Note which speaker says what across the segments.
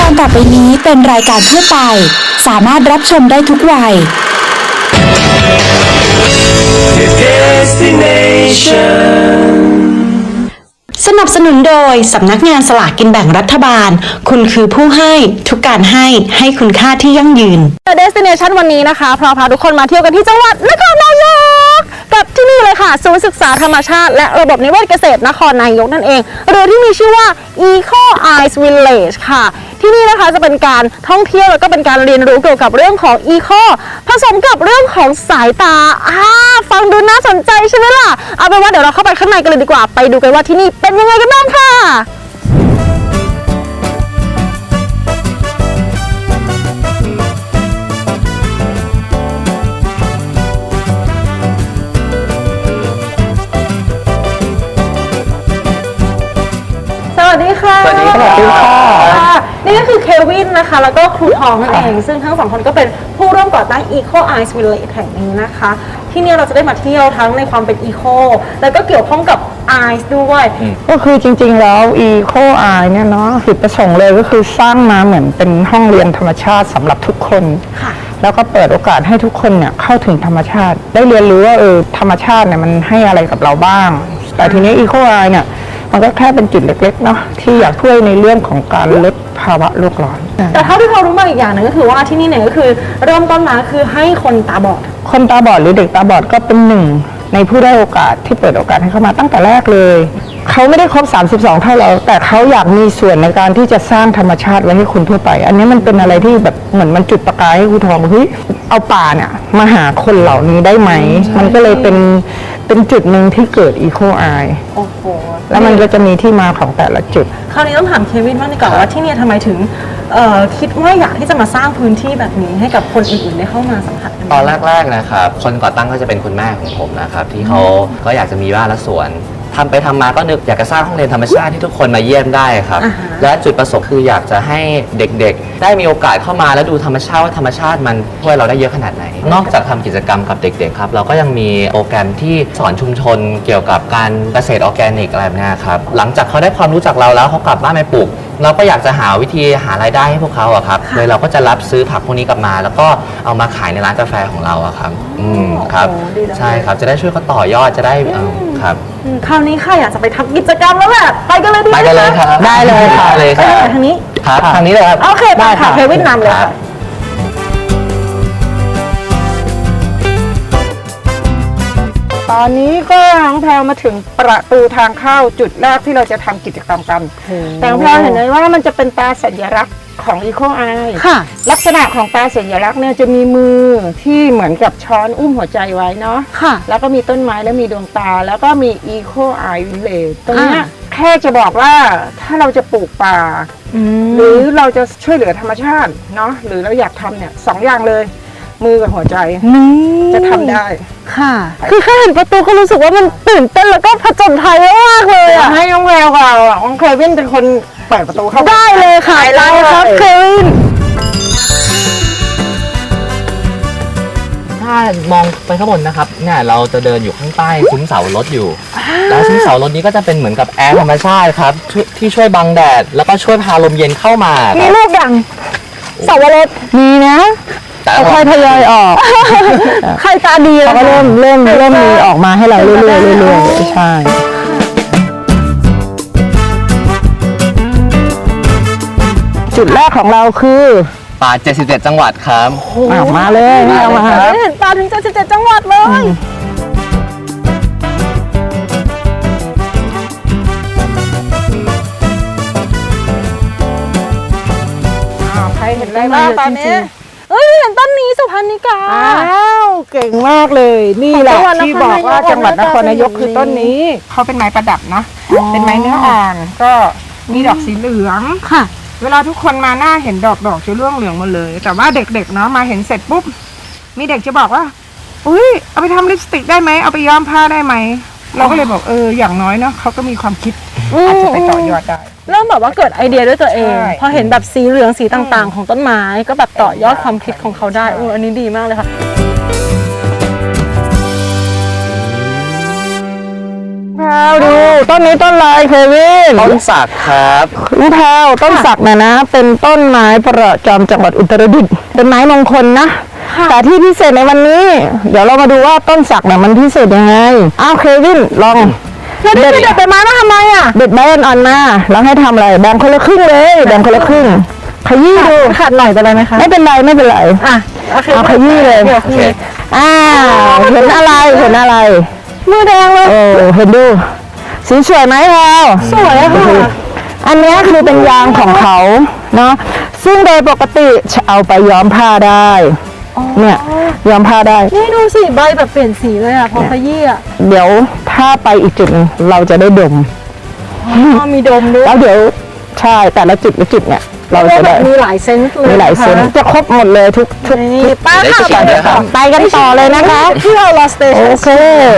Speaker 1: การต่อไปนี้เป็นรายการทั่วไปสามารถรับชมได้ทุกวัยสนับสนุนโดยสำนักงานสลากกินแบ่งรัฐบาลคุณคือผู้ให้ทุกการให้คุณค่าที่ยั่งยืน
Speaker 2: Destination วันนี้นะคะพาทุกคนมาเที่ยวกันที่จังหวัดนครนายกกับที่นี่เลยค่ะศูนย์ศึกษาธรรมชาติและระบบนิเวศเกษตรนครนายกนั่นเองหรือที่มีชื่อว่า Eco Eyes Village ค่ะที่นี่นะคะจะเป็นการท่องเที่ยวแล้วก็เป็นการเรียนรู้เกี่ยวกับเรื่องของ Eco ผสมกับเรื่องของสายตาฟังดูน่าสนใจใช่ไหมล่ะเอาเป็นว่าเดี๋ยวเราเข้าไปข้างในกันเลยดีกว่าไปดูกันว่าที่นี่เป็นยังไงกันบ้างค่ะสวัสดีค่ะนี่ก็คือเควินนะคะแล้วก็ครูทองนั่นเองซึ่งทั้งสองคนก็เป็นผู้ร่วมก่อตั้ง Eco Eyes Village แห่งนี้นะคะที่นี่เราจะได้มาเที่ยวทั้งในความเป็น Eco แล้วก็เกี่ยวข้องกับ Eyes ด้วย
Speaker 3: ก็คือจริงๆแล้ว Eco Eye เนี่ยเนาะจุดประสงค์เลยก็คือสร้างมาเหมือนเป็นห้องเรียนธรรมชาติสำหรับทุกคนแล้วก็เปิดโอกาสให้ทุกคนเนี่ยเข้าถึงธรรมชาติได้เรียนรู้ว่าธรรมชาติเนี่ยมันให้อะไรกับเราบ้างแต่ทีนี้ Eco Eye เนี่ยมันก็แค่เป็นจุดเล็กๆเนาะที่อยากช่วยในเรื่องของการลดภาวะโลกร้อน
Speaker 2: แต่เท่าที่เรารู้มาอีกอย่างหนึ่งก็คือว่าที่นี่เนี่ยก็คือเริ่มต้นมาคือให้คนตาบอด
Speaker 3: หรือเด็กตาบอดก็เป็นหนึ่งในผู้ได้โอกาสที่เปิดโอกาสให้เข้ามาตั้งแต่แรกเลยเขาไม่ได้ครบ32เท่าเราแต่เขาอยากมีส่วนในการที่จะสร้างธรรมชาติไว้ให้คนทั่วไปอันนี้มันเป็นอะไรที่แบบเหมือนมันจุดประกายให้ครูทองเฮ้ยเอาป่าเนี่ยมาหาคนเหล่านี้ได้ไหมมันก็เลยเป็นจุดหนึ่งที่เกิด Eco Eye
Speaker 2: โอ้โห
Speaker 3: แล้วมันก็จะมีที่มาของแต่ละจุด
Speaker 2: คราวนี้ต้องถามเควินบ้างดีกว่าว่าที่นี่ทำไมถึงคิดว่าอยากที่จะมาสร้างพื้นที่แบบนี้ให้กับคนอื่นๆได้เข้ามาสัมผัสกัน
Speaker 4: ตอนแรกๆนะครับคนก่อตั้งก็จะเป็นคุณแม่ของผมนะครับที่เขาก็อยากจะมีบ้านและสวนทำไปทำมาก็นึกอยากจะสร้างห้องเรียนธรรมชาติที่ทุกคนมาเยี่ยมได้ครับและจุดประสงค์คืออยากจะให้เด็กๆได้มีโอกาสเข้ามาแล้วดูธรรมชาติว่าธรรมชาติมันช่วยเราได้เยอะขนาดไหนนอกจากทำกิจกรรมกับเด็กๆครับเราก็ยังมีโปรแกรมที่สอนชุมชนเกี่ยวกับการเกษตรออร์แกนิกอะไรแบบนี้ครับหลังจากเขาได้ความรู้จากเราแล้วเขากลับบ้านไปปลูกเราก็อยากจะหาวิธีหารายได้ให้พวกเขาอะครับเลยเราก็จะรับซื้อผักพวกนี้กลับมาแล้วก็เอามาขายในร้านกาแฟของเราอะครับครับใช่ครับจะได้ช่วยเขาต่อยอดจะได้ครับ
Speaker 2: คราวนี้ค่ะอยากจะไปทำกิจกรรมแล้วแหละไปกันเลยดีไหม
Speaker 4: ไปกันเลยครับ
Speaker 3: ได้เลยค่ะ
Speaker 4: เลยครับ
Speaker 2: ทางนี้
Speaker 4: ครับทางนี้เลยครับ
Speaker 2: โอเคไปค่ะเควินนำเลยค่ะ
Speaker 3: ตอนนี้ก็น้องแพรวมาถึงประตูทางเข้าจุดแรกที่เราจะทำกิจกรรมกันแต่น้องแพรวเห็นไหมว่ามันจะเป็นตาสัญลักษณ์ของ Eco Eye
Speaker 2: ค่ะ
Speaker 3: ลักษณะของตาสัญลักษณ์เนี่ยจะมีมือที่เหมือนกับช้อนอุ้มหัวใจไว้เนาะ
Speaker 2: ค่ะ
Speaker 3: แล้วก็มีต้นไม้และมีดวงตาแล้วก็มี Eco Eye Village ตรงนี้แค่จะบอกว่าถ้าเราจะปลูกป่าหรือเราจะช่วยเหลือธรรมชาติเนาะหรือเราอยากทำเนี่ย2 อย่างเลยมือกับหัวใจจะทำได้
Speaker 2: ค่ะคือแค่เห็นประตูก็รู้สึกว่ามันตื่นเต้นแล้วก็ผจญภัยมากเลยอ่ะ
Speaker 3: ให้น้องแววกับน้องเควินเป็นคนเปิดประตูเข้า
Speaker 2: ได้เลยค่ะได้ครับเควิน
Speaker 4: ถ้ามองไปข้างบนนะครับเนี่ยเราจะเดินอยู่ข้างใต้ซุ้มเสารถอยู่แล้วซุ้มเสารถนี้ก็จะเป็นเหมือนกับแอร์ธรรมชาติครับที่ช่วยบังแดดแล้วก็ช่วยพาลมเย็นเข้ามา
Speaker 2: มีลูกอย่างเสาวรส
Speaker 3: มีนะค่อยทยอยออก
Speaker 2: ใครตาดี
Speaker 3: แล้วก็เริ่มมีออกมาให้เราเรื่อยๆใช่จุดแรกของเราคือ
Speaker 4: ป่า77จังหวัดครับ
Speaker 3: มาเลยเอามา
Speaker 2: เห็นป่าถึง77จังหวัดเลย
Speaker 3: ใครเห็นอะไรบ้างตอนนี้
Speaker 2: เห็นต้นนี้สุพรรณิกา
Speaker 3: เก่งมากเลยนี่แหละที่บอกว่าจังหวัดนครนายกคือต้นนี้เขาเป็นไม้ประดับเนาะเป็นไม้เนื้ออ่อนก็มีดอกสีเหลือง
Speaker 2: ค่ะ
Speaker 3: เวลาทุกคนมาหน้าเห็นดอกจะร่วงเหลืองหมดเลยแต่ว่าเด็กๆเนาะมาเห็นเสร็จปุ๊บมีเด็กจะบอกว่าอุ้ยเอาไปทำลิปสติกได้ไหมเอาไปย้อมผ้าได้ไหมเราก็เลยบอกอย่างน้อยเนาะเขาก็มีความคิดอาจจะไปต่อยอดได้
Speaker 2: เริ่มแบบว่าเกิดไอเดียด้วยตัวเองพอเห็นแบบสีเหลืองสีต่างๆของต้นไม้ก็แบบต่อยอดความคิดของเขาได้อันนี้ดีมากเลยค่ะ
Speaker 3: แพรวดูต้นนี้ต้นอะไรเควิน
Speaker 4: ต้นสักครับ
Speaker 3: น้องแพรวต้นสักนะเป็นต้นไม้ประจำจังหวัดอุตรดิตถ์เป็นไม้มงคลนะแต่ที่พิเศษในวันนี้ เดี๋ยวเรามาดูว่าต้นสักเนี่ยมันพิเศษยังไงอ้าวเควินลองเด็ดใบไม้มาทำไมอ่ะเด็ดใบอ่อนๆมาแล้วให้ทำอะไรแบ่งคนละครึ่งเลยแบ่งคนละครึ่งขยี้ดูขาดหน่อยเป็นไรไหมคะไม่เป็นไรอ่ะเอาขยี้เลยเห็นอะไรมือแดงเลยเห็นดูสีสวยไหมเราสวยค่ะอันนี้คือเป็นยางของเขาเนาะซึ่งโดยปกติจะเอาไปย้อมผ้าได้เนี่ยย้อมผ้าได้
Speaker 2: นี่ดูสิใบแบบเปลี่ยนสีเลยอ่ะพอขยี้อ่ะ
Speaker 3: เดี๋ยวถ้าไปอีกจุดนึงเราจะได้ดม
Speaker 2: มีดมด้วย
Speaker 3: แล้วเดี๋ยวใช่แต่ละจุดเนี่ยเราจะได้
Speaker 2: มีหลายเซนส์เลย
Speaker 3: มีหลายเซนส์จะครบหมดเลยทุก
Speaker 2: ป้าค่ะ
Speaker 3: ไปกันต่อเลยนะคะ
Speaker 2: ที่เราลอสเตชัน
Speaker 3: โอเค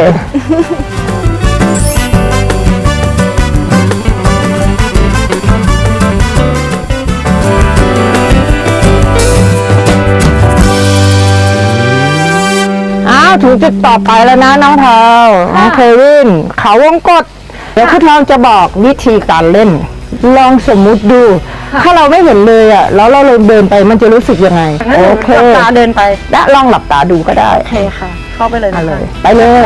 Speaker 3: ถึงจุดต่อไปแล้วนะน้องแพรวน้องเควินเขาวงกตเดี๋ยวคุณทองจะบอกวิธีการเล่นลองสมมุติดูถ้าเราไม่เห็นเลยอ่ะแล้วเราเดินไปมันจะรู้สึกยังไงโอเค
Speaker 2: หลับตาเดินไป
Speaker 3: และลองหลับตาดูก็ได้
Speaker 2: โอเคค่ะเข้าไปเลย
Speaker 3: ไปเลย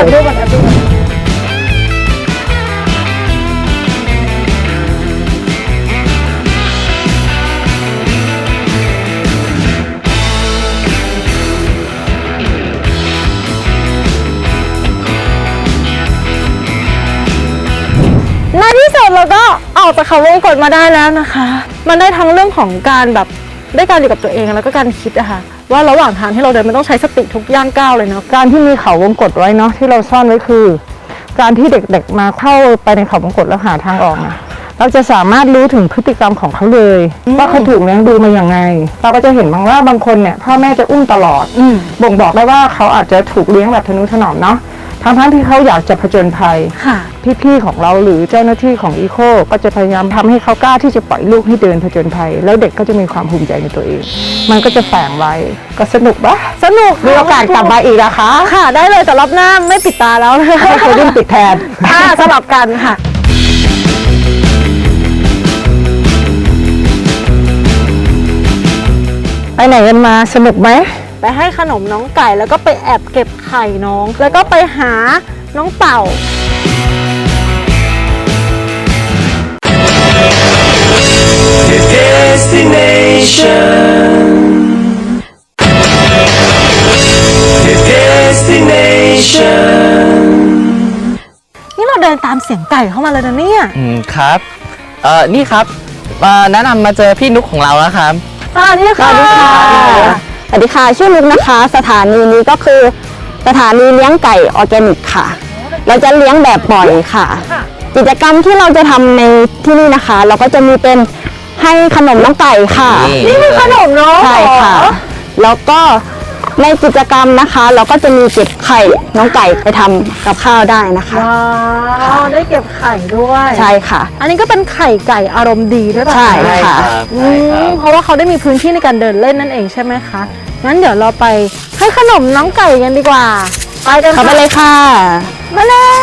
Speaker 2: ในที่สุดเราก็ออกจากเขาวงกตมาได้แล้วนะคะมันได้ทั้งเรื่องของการแบบได้การอยู่กับตัวเองแล้วก็การคิดอะค่ะว่าระหว่างทางที่เราเดินมันต้องใช้สติทุกย่างก้าวเลยเนาะ
Speaker 3: การที่มีเขาวงกตไว้เนาะที่เราซ่อนไว้คือการที่เด็กๆมาเข้าไปในเขาวงกตแล้วหาทางออกนะเราจะสามารถรู้ถึงพฤติกรรมของเขาเลยว่าเขาถูกเลี้ยงดูมาอย่างไงเราก็จะเห็นบางคนเนี่ยพ่อแม่จะอุ้มตลอดบ่งบอกได้ว่าเขาอาจจะถูกเลี้ยงแบบทนุถนอมเนาะทั้งที่เขาอยากจะผจญภัยพี่ๆของเราหรือเจ้าหน้าที่ของอีโคก็จะพยายามทำให้เขากล้าที่จะปล่อยลูกให้เดินผจญภัยแล้วเด็กก็จะมีความภูมิใจในตัวเองมันก็จะแฝงไว้ก็สนุกปะ
Speaker 2: สนุก
Speaker 3: มีโอกาสกลับมาอีกนะคะ
Speaker 2: ค่ะได้เลยแต่รอบหน้าไม่ปิดตาแล้ว
Speaker 3: ให้เควินปิดแทน
Speaker 2: สลับกันค่ะ
Speaker 3: ไปไหนกันมาสนุกไหม
Speaker 2: ไปให้ขนมน้องไก่แล้วก็ไปแอบเก็บไข่น้องแล้วก็ไปหาน้องเต่านี่เราเดินตามเสียงไก่เข้ามาเลยนะเนี่ย
Speaker 4: ครับนี่ครับแนะนำมาเจอพี่นุ๊กของเราแล้วครับ
Speaker 2: สวัสดีค่ะ
Speaker 5: สวัสดีค่ะชื่อนุกนะคะสถานีนี้ก็คือสถานีเลี้ยงไก่ออร์แกนิกค่ะเราจะเลี้ยงแบบปล่อยค่ะกิจกรรมที่เราจะทำในที่นี่นะคะเราก็จะมีเป็นให้ขนมน้องไก่ค่ะ
Speaker 2: นี่คือขนมน้อง
Speaker 5: ใช่ค่ะแล้วก็ในกิจกรรมนะคะเราก็จะมีเก็บไข่น้องไก่ไปทำกับข้าวได้นะคะ
Speaker 2: ว้าวได้เก็บไข่ด้วย
Speaker 5: ใช่ค่ะ
Speaker 2: อันนี้ก็เป็นไข่ไก่อารมณ์ดีด้วยป่ะ
Speaker 5: ใช่ค่ะ
Speaker 2: เพราะว่าเขาได้มีพื้นที่ในการเดินเล่นนั่นเองใช่ไหมคะงั้นเดี๋ยวเราไปให้ขนมน้องไก่กันดีกว่า
Speaker 5: ไปกันเข้าไปเลยค่ะ
Speaker 2: มาแล้ว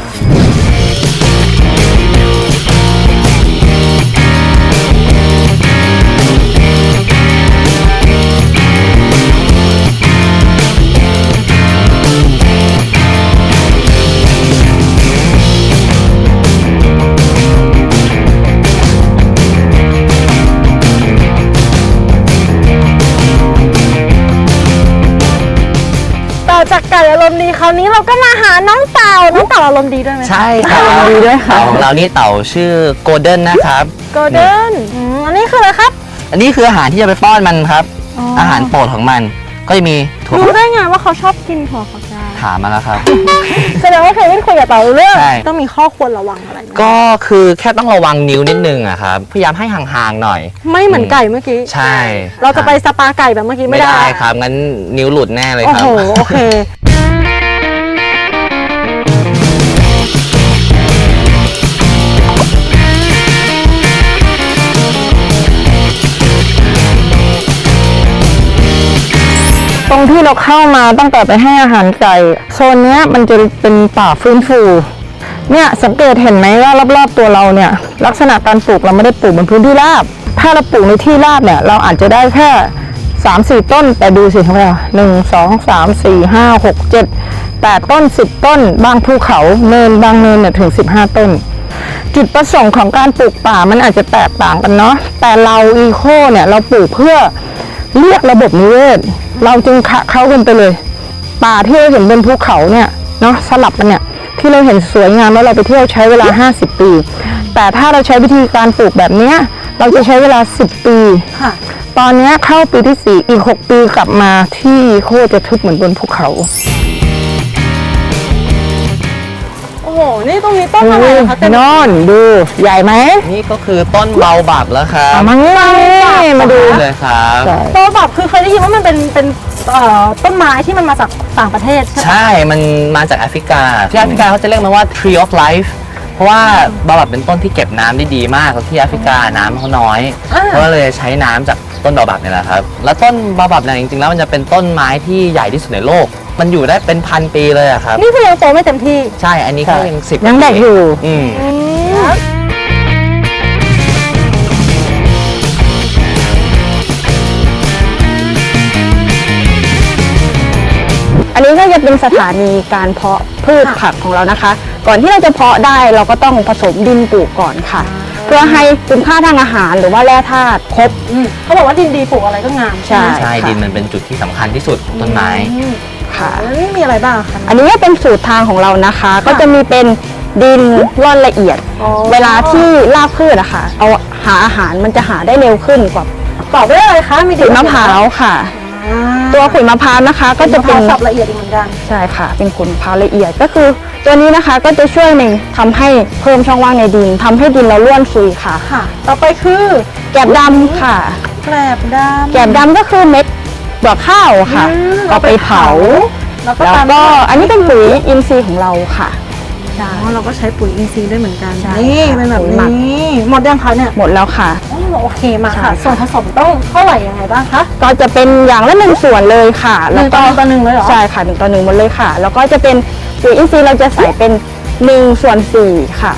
Speaker 2: จากไก่อารมณ์ดีคราวนี้เราก็มาหาน้องเต่าอารมณ์ดีด้วยไหม
Speaker 4: ใช่ค่ะอารมณ์ดีด้วยค่ะของเรานี่เต่าชื่อโกลเด้นนะครับ
Speaker 2: โกลเด้นอันนี้คืออะไรครับ
Speaker 4: อันนี้คืออาหารที่จะไปป้อนมันครับอาหารโปรดของมันก็จะมี
Speaker 2: รู้ได้ไงว่าเขาชอบกินถั่วฝักยาว
Speaker 4: ถามมาแล้วครับ
Speaker 2: แสดงว่าเคยเล่นคุยกับเต่าเรื่องต้องมีข้อควรระวังอะไร
Speaker 4: ก็คือแค่ต้องระวังนิ้วนิดนึงอะครับพยายามให้ห่างๆหน่อย
Speaker 2: ไม่เหมือนไก่เมื่อกี้
Speaker 4: ใช่
Speaker 2: เราจะไปสปาไก่แบบเมื่อกี้ไม่ได้
Speaker 4: ครับงั้นนิ้วหลุดแน่เลยครับ
Speaker 2: โอเค
Speaker 3: ตรงที่เราเข้ามาตั้งแต่ไปให้อาหารไก่โซนนี้มันจะเป็นป่าฟื้นฟูเนี่ยสังเกตเห็นไหมว่ารอบๆตัวเราเนี่ยลักษณะการปลูกเราไม่ได้ปลูกบนพื้นที่ราบถ้าเราปลูกในที่ราบเนี่ยเราอาจจะได้แค่3-4 ต้นแต่ดูสิครับว่า1 2 3 4 5 6 7 8 ต้น 10 ต้นบางภูเขาเนินบางเนินเนี่ยถึง15 ต้น จุดประสงค์ของการปลูกป่ามันอาจจะแตกต่างกันเนาะแต่เราอีโคเนี่ยเราปลูกเพื่อเรียกระบบนิเวศเราจึงเข้ากันไปเลยป่าที่เราเห็นบนภูเขาเนี่ยเนาะสลับกันเนี่ยที่เราเห็นสวยงามแล้วเราไปเที่ยวใช้เวลา50 ปีแต่ถ้าเราใช้วิธีการปลูกแบบเนี้ยเราจะใช้เวลา10 ปี
Speaker 2: ค่ะ
Speaker 3: ตอนเนี้ยเข้าปีที่4อีก6 ปีกลับมาที่โคตรจะทึบเหมือนบนภูเขา
Speaker 2: โอ้โห นี่ตรงนี้ต้นอะไรนะคะเต็ม
Speaker 3: นอนดูใหญ่ไหม
Speaker 4: นี่ก็คือต้นเบาบับแล้วครับ
Speaker 3: เอามางี้มาดู
Speaker 4: เลยครับ
Speaker 2: โตแบบคือเคยได้ยินว่ามันเป็นต้นไม้ที่มันมาจากต่างประเทศใช่ไหม
Speaker 4: ใช่ มันมาจากแอฟริกา ที่แอฟริกาเขาจะเรียกมันว่า tree of life เพราะว่าบาบับเป็นต้นที่เก็บน้ำได้ดีมากแล้วที่แอฟริกาน้ำเขาน้อยเขาก็เลยใช้น้ำจากต้นบาบับเนี่ยแหละครับ แล้วต้นบาบับเนี่ยจริงๆแล้วมันจะเป็นต้นไม้ที่ใหญ่ที่สุดในโลก มันอยู่ได้เป็นพันปีเลยอะครับ
Speaker 2: นี่คือยังโตไม่เต็มที่
Speaker 4: ใช่ อันนี้ก็ยัง10
Speaker 3: ยังเด็กอยู่
Speaker 4: อืม
Speaker 5: อันนี้ก็จะเป็นสถานีการเพาะพืชผักของเรานะคะ ก่อนที่เราจะเพาะได้เราก็ต้องผสมดินปลูกก่อนค่ะ เพื่อให้คุณค่าทางอาหารหรือว่าแร่ธาตุครบ
Speaker 2: เขาบอกว่าดินดีปลูกอะไรก็งาม
Speaker 5: ใช่
Speaker 4: ใช่ ดินมันเป็นจุดที่สำคัญที่สุดของต้นไม้
Speaker 5: ค่ะ
Speaker 2: แล้วนี่มีอะไรบ้างคะ
Speaker 5: อันนี้ก็เป็นสูตรทางของเรานะคะ ก็จะมีเป็นดินร่อนละเอียด
Speaker 2: อ๋อ
Speaker 5: เวลาที่รากพืชอะค่ะ เอาหาอาหารมันจะหาได้เร็วขึ้นกว่า
Speaker 2: ตอบได้เลยคะมี
Speaker 5: ขุยมะพร้าวค่ะ ตัวขุยมะพร้าวนะคะก็จะเป็น
Speaker 2: สับละเอียดอีกเหมือนกัน
Speaker 5: ใช่ค่ะ เป็นขุยมะพร้าวละเอียดก็คือ ตัวนี้นะคะก็จะช่วยในทำให้เพิ่มช่องว่างในดินทำให้ดินเราร่วนซุยค่ะ
Speaker 2: ค่ะ ต่อไปคือ
Speaker 5: แกบดำค่ะ
Speaker 2: แกลบดำ
Speaker 5: แกบดำก็คือเม็ดดอกข้าวค่ะ เอาไปเผา
Speaker 2: แล้วก็
Speaker 5: แล้ว
Speaker 2: ตาม
Speaker 5: ก็อันนี้เป็นปุ๋ยอินทรีย์ของเราค่ะ
Speaker 2: อ๋อเราก็ใช้ปุ๋ยอินทรีย์ด้วยเหมือนกัน
Speaker 5: ใช่
Speaker 2: นี่
Speaker 5: ค่ะ
Speaker 2: เป็นแบบ
Speaker 5: ปุ๋ยหมัก
Speaker 2: นี้หมดยังคะเนี่ย
Speaker 5: หมดแล้วค่ะ
Speaker 2: อ๋อโอเคมา
Speaker 5: ใช่
Speaker 2: ค่ะ
Speaker 5: ค่ะ
Speaker 2: ส่วนผสมต้องเท่าไหร่ยังไงบ้างคะ
Speaker 5: ก็จะเป็นอย่างละ1 ส่วนเลยค่ะ
Speaker 2: หนึ่งต่อหนึ่งเลยเหรอ
Speaker 5: ใช่ค่ะ1 ต่อ 1หมดเลยค่ะ แล้วก็จะเป็นปุ๋ยอินทรีย์เราจะใส่เป็น1/4ค่ะ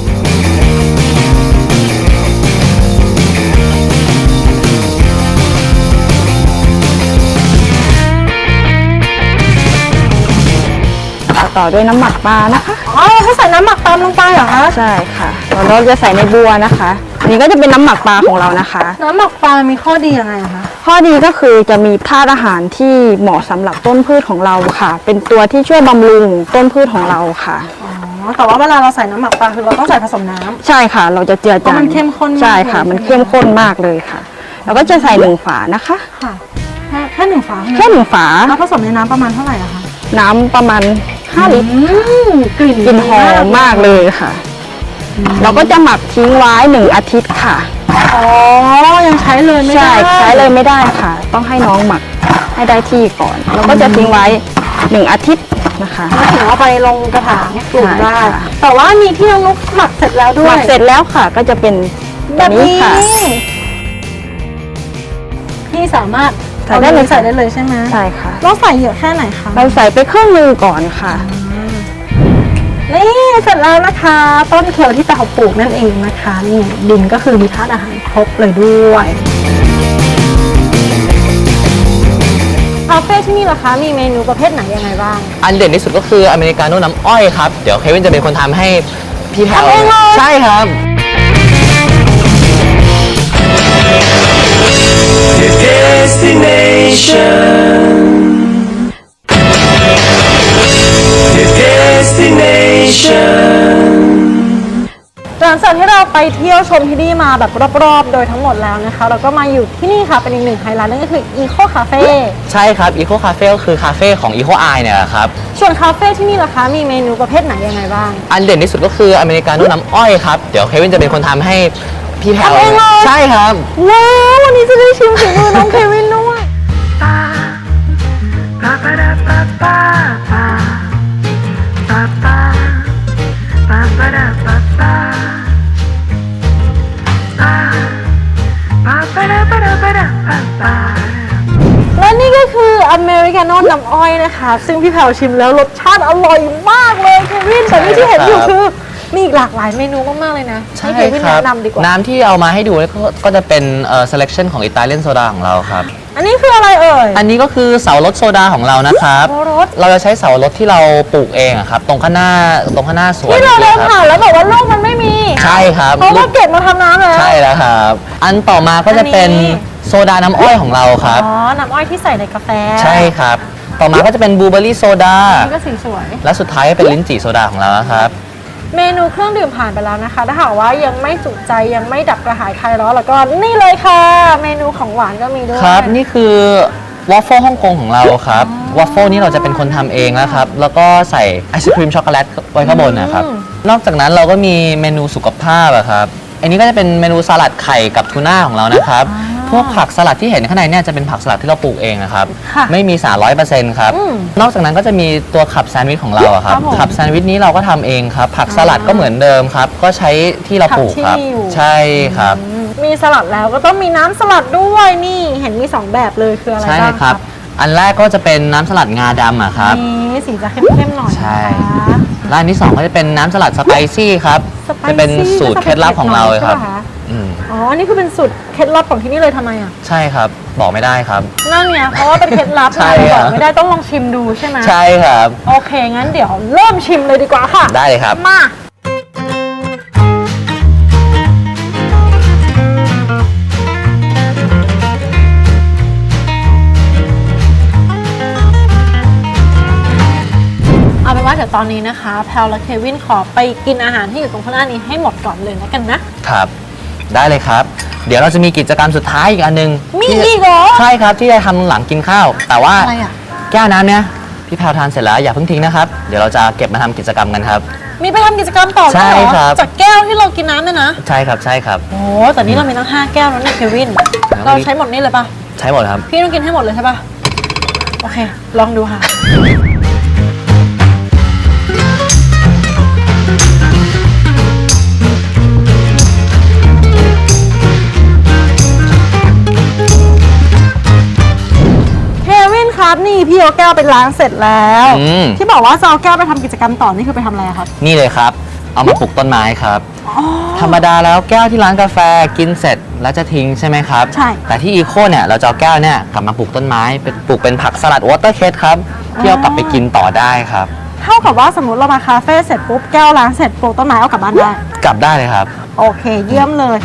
Speaker 5: ต่อด้วยน้ำหมักปลานะคะ
Speaker 2: อ๋อให้ใส่น้ำหมักตามลงไปเหรอคะ
Speaker 5: ใช่ค่ะแล้วเราจะใส่ในบัวนะคะอันนี้ก็จะเป็นน้ำหมักปลาของเรานะคะ
Speaker 2: น้ำหมักปลามีข้อดียังไงอะคะ
Speaker 5: ข้อดีก็คือจะมีธาตุอาหารที่เหมาะสำหรับต้นพืชของเราค่ะ เป็นตัวที่ช่วยบำรุงต้นพืชของเราค่ะ
Speaker 2: อ๋อแต่ว่าเวลาเราใส่น้ำหมักปลาคือเราต้องใส่ผสมน้ำ
Speaker 5: ใช่ค่ะ เราจะเจือ
Speaker 2: เพ
Speaker 5: จา
Speaker 2: ราะ
Speaker 5: ง
Speaker 2: มันเข้มข้นมาก
Speaker 5: ใช่ค่ะ
Speaker 2: เลย
Speaker 5: มันเข้มข้นมากเลยค่ะ แล้วก็จะใส่1 ฝานะคะ
Speaker 2: ค่ะแค่หนึ่งฝา
Speaker 5: แค่1 ฝา
Speaker 2: แล้วผสมในน้ำประมาณเท่าไหร่อะคะ
Speaker 5: น้ำประมาณ5 ลิตร
Speaker 2: กลิ่น
Speaker 5: กลิ่นหอมมากเลยค่ะ เราก็จะหมักทิ้งไว้1 อาทิตย์ค่ะ
Speaker 2: อ๋อยังใช้เลยไม่
Speaker 5: ใช่
Speaker 2: ได้
Speaker 5: ใช้เลยไม่ได้ค่ะ ต้องให้น้องหมักให้ได้ที่ก่อนแล้วก็จะทิ้งไว้1 อาทิตย์นะคะ
Speaker 2: แล้วถึงเอาไปลงกระถางปลูกได้
Speaker 5: ใช่ค่ะ
Speaker 2: แต่ว่ามีที่น้องนุ๊กหมักเสร็จแล้วด้
Speaker 5: ห
Speaker 2: ว
Speaker 5: มั
Speaker 2: ย
Speaker 5: กเสร็จแล้วค่ะก็จะเป็น
Speaker 2: แบ
Speaker 5: แบบ
Speaker 2: บ
Speaker 5: นี้
Speaker 2: นี้
Speaker 5: ค่ะ
Speaker 2: พี่สามารถ
Speaker 5: ใส่ได้เลย
Speaker 2: ใส่ได้เลยใช่ไหม
Speaker 5: ใช่ค่ะ
Speaker 2: เราใส่เยอะแค่ไหนคะ
Speaker 5: เราใส่ไปครึ่งหนึงก่อนค่ะ
Speaker 2: นี่เสร็จแล้วนะคะ ต้นเขียวที่เราปลูกนั่นเองนะคะนี่ดินก็คือมีธาตุอาหารครบเลยด้วยคาเฟ่ที่นี่เหรอคะมีเมนูประเภทไหนยังไงบ้าง
Speaker 4: อันเด่นที่สุดก็คืออเมริกาโน่น้ำอ้อยครับ เดี๋ยวเควินจะเป็นคนทำให้พี่แพลว
Speaker 2: ทำเองเลย
Speaker 4: ใช่ครับ
Speaker 2: หลังจากที่เราไปเที่ยวชมที่นี่มาแบบรอบๆ โดยทั้งหมดแล้วนะคะ เราก็มาอยู่ที่นี่ค่ะเป็นอีกหนึ่งไฮไลท์นั่นก็คือ Eco Cafe
Speaker 4: ใช่ครับ Eco Cafe ก็คือคาเฟ่ของ Eco Eye เนี่ยแหละครับ
Speaker 2: ส่วนคาเฟ่ที่นี่ล่ะคะมีเมนูประเภทไหนยังไงบ้าง
Speaker 4: อันเด่นที่สุดก็คืออเมริกาโน่น้ำอ้อยครับ เดี๋ยวเควินจะเป็นคนทำให้พี่แพลว
Speaker 2: ทำเองเลย
Speaker 4: ใช่ครับ
Speaker 2: ว้าววันนี้จะได้ชิมฝีมือน้องเควินด้วย และนี่ก็คืออเมริกาโน่น้ำอ้อยนะคะซึ่งพี่แพรวชิมแล้วรสชาติอร่อยมากเลยเควินแต่นี่ที่เห็นอยู่คือมีอีกหลากหลายเมนูมากๆเลยนะให้เควินแนะนำดีกว่า
Speaker 4: น้ำที่เอามาให้ดูก็จะเป็นselection ของอิตาเลียนโซดาของเราครับ
Speaker 2: อันนี้คืออะไรเอ่ย
Speaker 4: อันนี้ก็คือเสารถโซดาของเรานะครับ
Speaker 2: เสารถ
Speaker 4: เราจะใช้เสารถที่เราปลูกเองอะครับตรงข้างหน้าสวน
Speaker 2: ที่เราเดินผ่านแล้วบอกว่าลูกมันไม่มี
Speaker 4: ใช่ครับ
Speaker 2: เพราะว่าเก็บมาทำน้ำแล้ว
Speaker 4: ใช่แล้วครับ อันต่อมาก็จะเป็นโซดาน้ำอ้อยของเราครับ
Speaker 2: อ๋อน้ำอ้อยที่ใส่ในกาแฟ
Speaker 4: ใช่ครับ ต่อมาก็จะเป็นบลูเบอร์รี่โซดา
Speaker 2: นี่ก็สีสวย
Speaker 4: และสุดท้ายก็เป็นลิ้นจี่โซดาของเราครับ
Speaker 2: เมนูเครื่องดื่มผ่านไปแล้วนะคะถ้าหากว่ายังไม่จุใจยังไม่ดับกระหายคลายร้อนแล้วก็นี่เลยค่ะ เมนูของหวานก็มีด้วย
Speaker 4: ครับนี่คือวอฟเฟิลฮ่องกงของเราครับวอฟเฟิลนี่เราจะเป็นคนทำเองนะครับแล้วก็ใส่ไอศครีมช็อกโกแลตไว้ข้างบนนะครับนอกจากนั้นเราก็มีเมนูสุขภาพอะครับอันนี้ก็จะเป็นเมนูสลัดไข่กับทูน่าของเรานะครับพวกผักสลัดที่เห็นข้างในเนี่ยจะเป็นผักสลัดที่เราปลูกเองนะครับ
Speaker 2: ค่ะ
Speaker 4: ไม่มีสาร100%ครับนอกจากนั้นก็จะมีตัวขับแซนด์วิชของเราอะครับ
Speaker 2: ครับผม
Speaker 4: ขับแซนด์วิชนี้เราก็ทำเองครับผักสลัดก็เหมือนเดิมครับก็ใช้ที่เราปลูกครับ
Speaker 2: ผักที่อยู่
Speaker 4: ใช่ครับ
Speaker 2: มีสลัดแล้วก็ต้องมีน้ำสลัดด้วยนี่เห็นมี2แบบเลยคืออะไร
Speaker 4: ใช่
Speaker 2: บ้าง
Speaker 4: ครับ อันแรกก็จะเป็นน้ำสลัดงาดำอะครับ
Speaker 2: นี่สีจะเข้มๆหน่อย
Speaker 4: ใช่
Speaker 2: นะคะ
Speaker 4: ร้านที่ 2 ก็จะเป็นน้ำสลัดสไปซี่ครับ
Speaker 2: สไปซี่
Speaker 4: จะเป็นสูตรเคล็ดลับของเราเลยครับ
Speaker 2: ใช่ปะะ
Speaker 4: อืม
Speaker 2: อ๋ออันนี่คือเป็นสูตรเคล็ดลับของที่นี่เลยทำไมอ่ะ
Speaker 4: ใช่ครับ บอกไม่ได้ครับ
Speaker 2: นั่นเนี่ยเพราะว่าเป็นเคล็ดลับ
Speaker 4: ใช่
Speaker 2: นะ
Speaker 4: ครับ
Speaker 2: บอกไม่ได้ต้องลองชิมดูใช่ไหม
Speaker 4: ใช่ครับ
Speaker 2: โอเคงั้นเดี๋ยวเริ่มชิมเลยดีกว่าค่ะ
Speaker 4: ได้เลยครับ
Speaker 2: มาเอาเป็นว่าเดี๋ยวตอนนี้นะคะแพลวและเควินขอไปกินอาหารที่อยู่ตรงข้างหน้านี้ให้หมดก่อนเลยแล้วกันนะ
Speaker 4: ครับ ได้เลยครับ เดี๋ยวเราจะมีกิจกรรมสุดท้ายอีกอันหนึง
Speaker 2: มี
Speaker 4: ที่
Speaker 2: อีกเหรอ
Speaker 4: ใช่ครับที่จะทำหลังกินข้าว แต่ว่า
Speaker 2: อะไรอ่ะ
Speaker 4: แก้วน้ำเนี่ยพี่แพรวทานเสร็จแล้วอย่าเพิ่งทิ้งนะครับ เดี๋ยวเราจะเก็บมาทำกิจกรรมกันครับ
Speaker 2: มีไปทำกิจกรรมต่อด้วยเหรอ
Speaker 4: ใช่ครับ
Speaker 2: จากแก้วที่เรากินน้ำเนี่ยนะ
Speaker 4: ใช่ครับใช่ครับ
Speaker 2: โอ้แต่นี่เรามีตั้ง5แก้วแล้วเนี่ยเควิน
Speaker 4: แล้ว
Speaker 2: เราใช้หมดนี่เลยปะ
Speaker 4: ใช้หมดครับ
Speaker 2: พี่ต้องกินให้หมดเลยใช่ปะโอเค ลองดูค่ะ เควินครับนี่พี่เอาแก้วไปล้างเสร็จแล้ว ที่บอกว่าจะเอาแก้วไปทำกิจกรรมต่อนี่คือไปทำอะไรอะครับ
Speaker 4: นี่เลยครับ เอามาปลูกต้นไม้ครับ ธรรมดาแล้วแก้วที่ร้านกาแฟกินเสร็จแล้วจะทิ้งใช่ไหมครับ
Speaker 2: ใช่
Speaker 4: แต่ที่อีโคเนี่ยเราจะเอาแก้วเนี่ยกลับมาปลูกต้นไม้เป็นปลูกเป็นผักสลัดวอเตอร์เคสครับที่เอากลับไปกินต่อได้ครับ
Speaker 2: เท่ากับว่าสมมติเรามาคาเฟ่เสร็จปุ๊บแก้วล้างเสร็จปลูกต้นไม้เอากลับบ้านได้
Speaker 4: กลับได้เลยครับ
Speaker 2: โอเค เยี่ยมเลย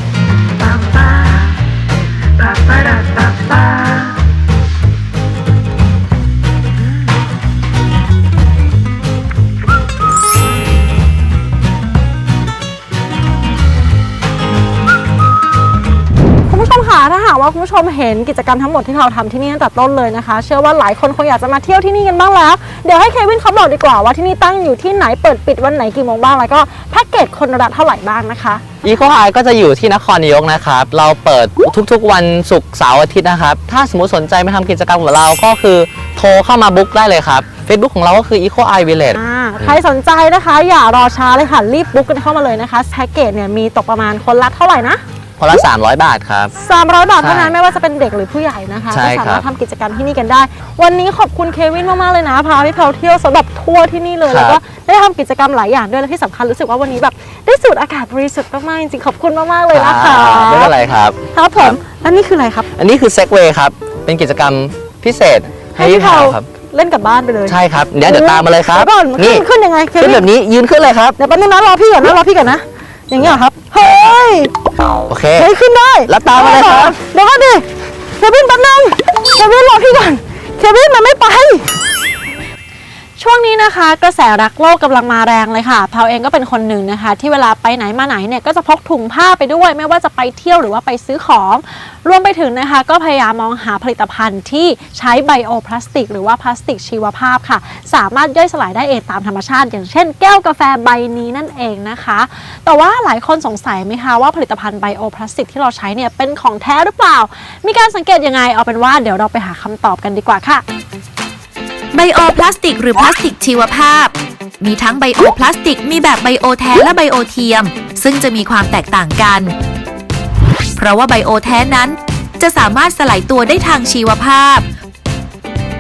Speaker 2: คุณผู้ชมค่ะถ้าหากว่าคุณผู้ชมเห็นกิจกรรมทั้งหมดที่เราทำที่นี่ตั้งแต่ต้นเลยนะคะ เชื่อว่าหลายคนคงอยากจะมาเที่ยวที่นี่กันบ้างแล้ว เดี๋ยวให้เควินเขาบอกดีกว่าว่าที่นี่ตั้งอยู่ที่ไหนเปิดปิดวันไหนกี่โมงบ้างแล้วก็แพ็กเกจคนละเท่าไหร่บ้างนะคะ
Speaker 4: อีโคไฮก็จะอยู่ที่นครนายกนะครับ เราเปิดทุกๆวันศุกร์เสาร์อาทิตย์นะครับ ถ้าสมมติสนใจมาทำกิจกรรมกับเราก็คือโทรเข้ามาบุ๊กได้เลยครับ Facebook ของเราก็คือ Eco Eye Village
Speaker 2: ใครสนใจนะคะอย่ารอช้าเลยค่ะรีบบุ๊กกันเข้ามาเลยนะคะแพ็กเกจเนี่ยมีตกประมาณคนละเท่าไหร่นะ
Speaker 4: คนละ 300 บาทครับ
Speaker 2: 300 บาทเท่านั้น
Speaker 4: ใช่
Speaker 2: ไม่ว่าจะเป็นเด็กหรือผู้ใหญ่นะคะ
Speaker 4: ใช่
Speaker 2: ก็
Speaker 4: ครับ
Speaker 2: สามารถทำกิจกรรมที่นี่กันได้ วันนี้ขอบคุณเควินมากๆเลยนะพาพี่แพลวเที่ยวสำหรับทัวร์ที่นี่เลยแล้วก็ได้ทำกิจกรรมหลายอย่างด้วยและที่สำคัญรู้สึกว่าวันนี้แบบได้สูดอากาศบริสุทธิ์มากๆจริงๆขอบคุณมากๆเลยนะคะ
Speaker 4: ไม่เป็นไรครับ
Speaker 2: ครับผมแล้วนี่คืออะไรครับ
Speaker 4: อันนี้คือ Segway ครับ เป็นกิจกรรมพิเศษให้
Speaker 2: พี่
Speaker 4: พี่
Speaker 2: แพ
Speaker 4: แพ
Speaker 2: ล
Speaker 4: ร
Speaker 2: ว
Speaker 4: วครับ
Speaker 2: เล่นกลับบ้านไปเลย
Speaker 4: ใช่ครับ เดี๋ยวตามมาเลยครับ
Speaker 2: ดี๋วก่อน
Speaker 4: นี่
Speaker 2: ขึ้นยังไงเค
Speaker 4: ขึ้น
Speaker 2: วิ
Speaker 4: แบบนี้ยืนขึ้นเลยครับ
Speaker 2: เดี๋ยวแป๊บนึงนะรอพี่ก่อนนะ อย่างเงี้ยเหรอครับเฮ้ย
Speaker 4: โอเค
Speaker 2: เฮ้ยขึ้นได้
Speaker 4: แล้วตามมาเลยครับ
Speaker 2: เดี๋ยวก่อนดิเควินแป๊บนึงเควินรอพี่ก่อนเควินมันไม่ไป ช่วงนี้นะคะกระแสรักโลกกำลังมาแรงเลยค่ะแพลวเองก็เป็นคนหนึ่งนะคะ ที่เวลาไปไหนมาไหนเนี่ยก็จะพกถุงผ้าไปด้วยไม่ว่าจะไปเที่ยวหรือว่าไปซื้อของ รวมไปถึงนะคะก็พยายามมองหาผลิตภัณฑ์ที่ใช้ไบโอพลาสติกหรือว่าพลาสติกชีวภาพค่ะสามารถย่อยสลายได้เองตามธรรมชาติ อย่างเช่นแก้วกาแฟใบนี้นั่นเองนะคะแต่ว่าหลายคนสงสัยไหมคะว่าผลิตภัณฑ์ไบโอพลาสติกที่เราใช้เนี่ยเป็นของแท้หรือเปล่ามีการสังเกตยังไงเอาเป็นว่าเดี๋ยวเราไปหาคำตอบกันดีกว่าค่ะ
Speaker 6: ไบโอพลาสติกหรือพลาสติกชีวภาพ มีทั้งไบโอพลาสติกมีแบบไบโอแท้และไบโอเทียม ซึ่งจะมีความแตกต่างกัน เพราะว่าไบโอแท้นั้นจะสามารถสลายตัวได้ทางชีวภาพ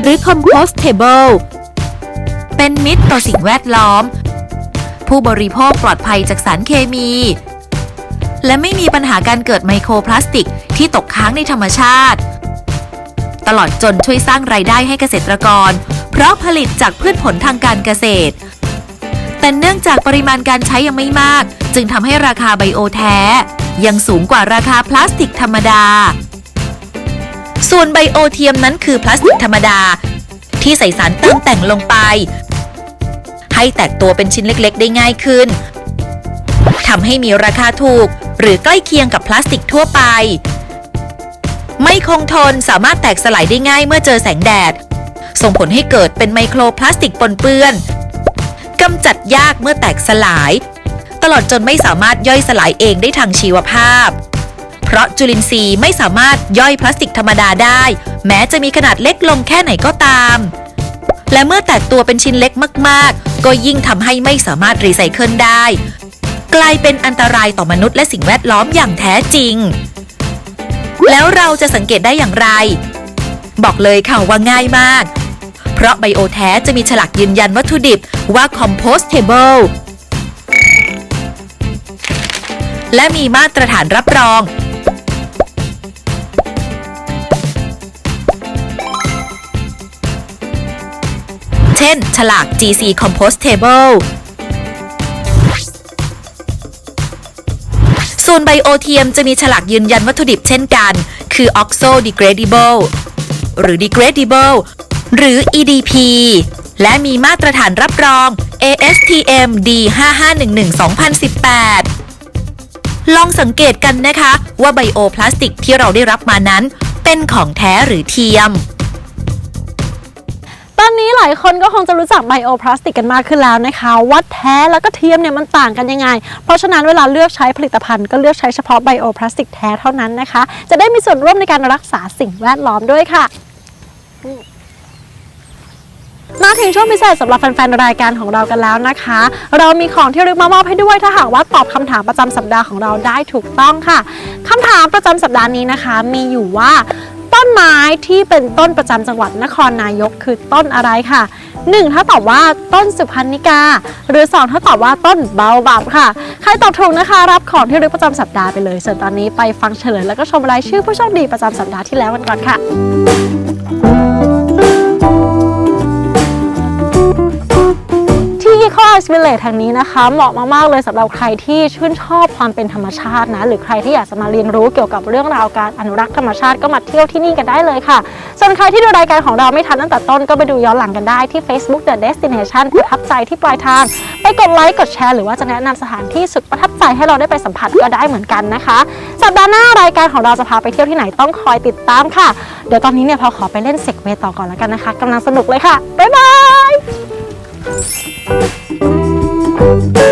Speaker 6: หรือ compostable เป็นมิตรต่อสิ่งแวดล้อม ผู้บริโภคปลอดภัยจากสารเคมี และไม่มีปัญหาการเกิดไมโครพลาสติกที่ตกค้างในธรรมชาติ ตลอดจนช่วยสร้างรายได้ให้เกษตรกรเพราะผลิตจากพืชผลทางการเกษตร แต่เนื่องจากปริมาณการใช้ยังไม่มากจึงทำให้ราคาไบโอแท้ยังสูงกว่าราคาพลาสติกธรรมดา ส่วนไบโอเทียมนั้นคือพลาสติกธรรมดาที่ใส่สารเติมแต่งลงไปให้แตกตัวเป็นชิ้นเล็กๆได้ง่ายขึ้นทำให้มีราคาถูกหรือใกล้เคียงกับพลาสติกทั่วไปไม่คงทนสามารถแตกสลายได้ง่ายเมื่อเจอแสงแดดส่งผลให้เกิดเป็นไมโครพลาสติกปนเปื้อนกำจัดยากเมื่อแตกสลายตลอดจนไม่สามารถย่อยสลายเองได้ทางชีวภาพเพราะจุลินทรีย์ไม่สามารถย่อยพลาสติกธรรมดาได้แม้จะมีขนาดเล็กลงแค่ไหนก็ตามและเมื่อแตกตัวเป็นชิ้นเล็กมากๆก็ยิ่งทำให้ไม่สามารถรีไซเคิลได้กลายเป็นอันตรายต่อมนุษย์และสิ่งแวดล้อมอย่างแท้จริงแล้วเราจะสังเกตได้อย่างไรบอกเลยค่ะว่าง่ายมากเพราะไบโอแท้จะมีฉลากยืนยันวัตถุดิบว่า compostable และมีมาตรฐานรับรองเช่นฉลาก GC compostable ส่วนไบโอเทียมจะมีฉลากยืนยันวัตถุดิบเช่นกันคือ oxo degradable หรือ degradable หรือ EDP และมีมาตรฐานรับรอง ASTM D5511-2018 ลองสังเกตกันนะคะว่าไบโอพลาสติกที่เราได้รับมานั้นเป็นของแท้หรือเทียม
Speaker 2: ตอนนี้หลายคนก็คงจะรู้จักไบโอพลาสติกกันมากขึ้นแล้วนะคะว่าแท้แล้วก็เทียมเนี่ยมันต่างกันยังไงเพราะฉะนั้นเวลาเลือกใช้ผลิตภัณฑ์ก็เลือกใช้เฉพาะไบโอพลาสติกแท้เท่านั้นนะคะจะได้มีส่วนร่วมในการรักษาสิ่งแวดล้อมด้วยค่ะมาถึงช่วงพิเศษสำหรับแฟนๆรายการของเรากันแล้วนะคะเรามีของที่ระลึกมามอบให้ด้วยถ้าหากว่าตอบคำถามประจำสัปดาห์ของเราได้ถูกต้องค่ะคำถามประจำสัปดาห์นี้นะคะมีอยู่ว่าต้นไม้ที่เป็นต้นประจำจังหวัดนครนายกคือต้นอะไรค่ะ 1 ถ้าตอบว่าต้นสุพรรณิกาหรือ 2 ถ้าตอบว่าต้นเบาบับค่ะใครตอบถูกนะคะรับของที่ระลึกประจำสัปดาห์ไปเลยส่วนตอนนี้ไปฟังเฉลยแล้วก็ชมรายชื่อผู้โชคดีประจำสัปดาห์ที่แล้วกันก่อนค่ะEco Arts Village แห่งนี้นะคะเหมาะมากๆเลยสำหรับใครที่ชื่นชอบความเป็นธรรมชาตินะหรือใครที่อยากจะมาเรียนรู้เกี่ยวกับเรื่องราวการอนุรักษ์ธรรมชาติก็มาเที่ยวที่นี่กันได้เลยค่ะส่วนใครที่ดูรายการของเราไม่ทันตั้งแต่ต้นก็ไปดูย้อนหลังกันได้ที่ Facebook The Destination ประทับใจที่ปลายทางไปกดไลค์กดแชร์หรือว่าจะแนะนำสถานที่สุดประทับใจให้เราได้ไปสัมผัสก็ได้เหมือนกันนะคะสัปดาห์หน้ารายการของเราจะพาไปเที่ยวที่ไหนต้องคอยติดตามค่ะเดี๋ยวตอนนี้เนี่ยพอขอไปเล่นเซกเวย์ต่อก่อนแล้วกันนะคะกำลังสนุกเลยค่ะบ๊ายบาย